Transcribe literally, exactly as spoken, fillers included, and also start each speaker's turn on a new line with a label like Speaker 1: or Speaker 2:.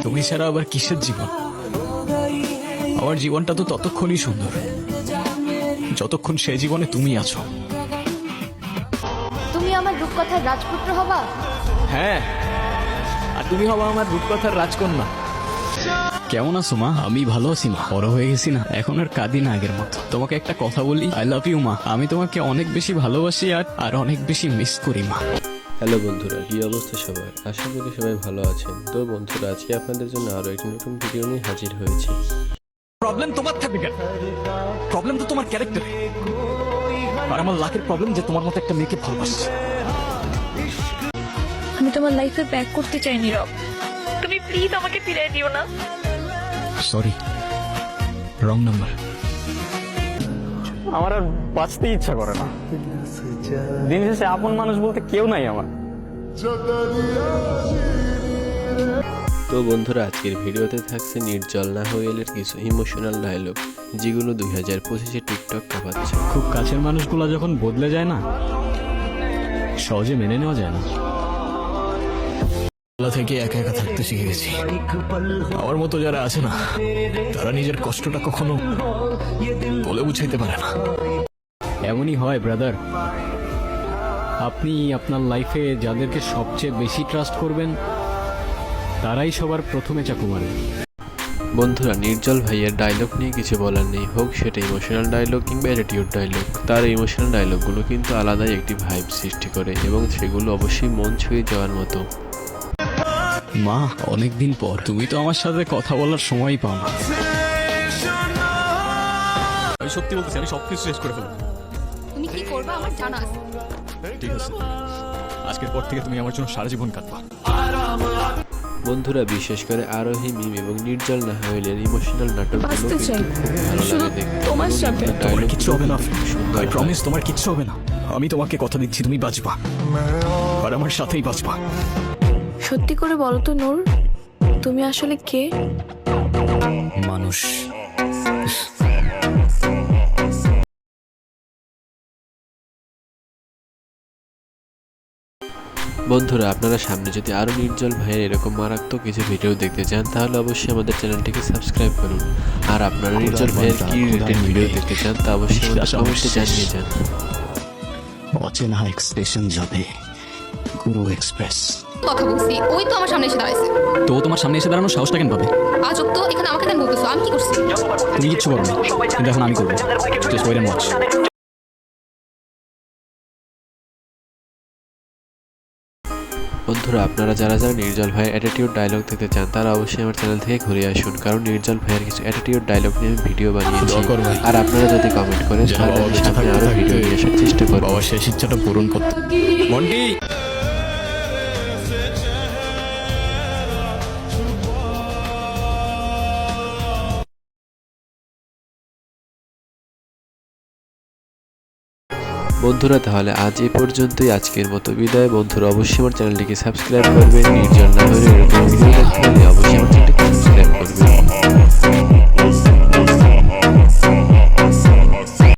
Speaker 1: তুমি ছাড়া আবার কিসের জীবন? আমার জীবনটা তো ততক্ষণই সুন্দর যতক্ষণ সে জীবনে তুমি আছো।
Speaker 2: তুমি আমার রূপকথার রাজপুত্র হবা?
Speaker 1: হ্যাঁ, আর তুমি হবা আমার রূপকথার রাজকন্যা। কেমন আছো মা? আমি ভালো আছি মা। বড় হয়ে গেছি না, এখন আর কাঁদি না আগের মতো। তোমাকে একটা কথা বলি, আই লাভ ইউ মা। আমি তোমাকে অনেক বেশি ভালোবাসি আর আর অনেক বেশি মিস করি মা।
Speaker 3: হ্যালো বন্ধুরা, কি অবস্থা সবার? আশা করি সবাই ভালো আছেন। তো বন্ধুরা, আজকে আপনাদের জন্য আরো একটি নতুন ভিডিও নিয়ে হাজির হয়েছি।
Speaker 1: প্রবলেম তোমার থাকবে কেন? প্রবলেম তো তোমার ক্যারেক্টারে। আর আমার লাখের প্রবলেম যে তোমার মতো একটা মেয়েকে ভালোবাসছে।
Speaker 4: আমি তোমার লাইফে ব্যাক করতে চাই নীরব, তুমি প্লিজ আমাকে ফিরিয়ে দিও না।
Speaker 1: Sorry, wrong number.
Speaker 5: আমার আর বাঁচতে ইচ্ছা করে না। দিন শেষে আপন মানুষ বলতে কেউ নাই আমার।
Speaker 3: তো বন্ধুরা, আজকের ভিডিওতে থাকছে নির্জল নাহোয়েলের কিছু ইমোশনাল ডায়লগ, যেগুলো দুই হাজার পঁচিশে টিকটক কাঁপাচ্ছে।
Speaker 1: খুব কাছের মানুষগুলো যখন বদলে যায় না, সহজে মেনে নেওয়া যায় না। থেকে একা একা থাকতে শিখে গেছি। আমার মতো যারা আছে না, তারা নিজের কষ্টটা কখনো বলে বুঝাইতে পারে না। এমনই হয় ব্রাদার। আপনি আপনার লাইফে যাদেরকে সবচেয়ে বেশি ট্রাস্ট করবেন, তারাই সবার প্রথমে চাকু মারে।
Speaker 3: বন্ধুরা, নির্জল ভাইয়ের ডায়লগ নিয়ে কিছু বলার নেই, হোক সেটা ইমোশনাল ডায়লগ কিংবা অ্যাটিটিউড ডায়লগ। তার ইমোশনাল ডায়লগগুলো কিন্তু আলাদাই একটি ভাইব সৃষ্টি করে এবং সেগুলো অবশ্যই মন ছুঁয়ে যাওয়ার মতো।
Speaker 1: মা, অনেকদিন পর তুমি তো আমার সাথে কথা বলার সময় পাও না। আমি সত্যি বলতেছি, আমি সবকিছু শেষ করে ফেলবো।
Speaker 2: তুমি কি করবে আমার জানা আছে।
Speaker 1: ঠিক আছে, আজকের পর থেকে তুমি আমার জন্য সারা জীবন কাঁদবা।
Speaker 3: বন্ধুরা, বিশেষ করে আরোহী মিম এবং নির্জল নাহোয়েলের ইমোশনাল নাটকগুলো
Speaker 4: বাঁচতে চাই
Speaker 3: কিন্তু খুব ভালো
Speaker 4: শুধু
Speaker 3: লাগে দেখতে।
Speaker 4: তোমার সাথে।
Speaker 1: তোমার কিচ্ছু হবে না,
Speaker 3: সুন্দর
Speaker 1: আই
Speaker 3: হয়।
Speaker 1: প্রমিস, তোমার কিচ্ছু হবে না। আমি তোমাকে কথা দিচ্ছি, তুমি বাঁচবা আর আমার সাথেই বাঁচবা।
Speaker 4: সত্যি করে বলো তো নূর, তুমি আসলে কে?
Speaker 1: মানুষ।
Speaker 3: বন্ধুরা, আপনারা সামনে যদি আরো নির্জল ভাইয়ের এরকম মারাত্মক কিছু ভিডিও দেখতে চান, তাহলে অবশ্যই আমাদের চ্যানেলটিকে সাবস্ক্রাইব করুন। আর আপনারা নির্জল ভাইয়ের কি রিলেটেড ভিডিও দেখতে চান তা অবশ্যই আমাদের কমেন্টে জানিয়ে যান।
Speaker 1: অচেনা এক্সপ্রেশন যাবে, গুরু এক্সপ্রেস।
Speaker 2: কথা বলছি, ওই তো আমার সামনে এসে দাঁড়াইছে।
Speaker 1: তো তোমার সামনে এসে দাঁড়ানো সাহসটা কেন পাবে?
Speaker 2: আজব তো, এখানে আমাকে কেন বলতেছো? আমি কি করছি?
Speaker 1: তুমি কিচ্ছু করো না, কিন্তু এখন আমি করবো। Just wait and watch.
Speaker 3: বন্ধুরা, আপনারা যারা যারা নির্জল ভাইয়ের অ্যাটিটিউড ডায়লগ দেখতে চান, তারা অবশ্যই আমার চ্যানেল থেকে ঘুরে আসুন, কারণ নির্জল ভাইয়ের কিছু অ্যাটিটিউড ডায়লগ নিয়ে আমি ভিডিও বানিয়েছি। আর আপনারা যদি কমেন্ট করেন, তাহলে আমি সামনে আরো ভিডিও নিয়ে আসার চেষ্টা করব।
Speaker 1: বাবা শেষ ইচ্ছাটা পূরণ করতে। মন্টি,
Speaker 3: বন্ধুরা, তাহলে আজ এই পর্যন্তই। আজকের মতো বিদায়। বন্ধুরা, অবশ্যই আমার চ্যানেলটিকে সাবস্ক্রাইব করবেন। নির্জল নাহোয়েলের এরকম ভিডিও দেখতে হলে অবশ্যই আমার চ্যানেলটিকে সাবস্ক্রাইব করবেন।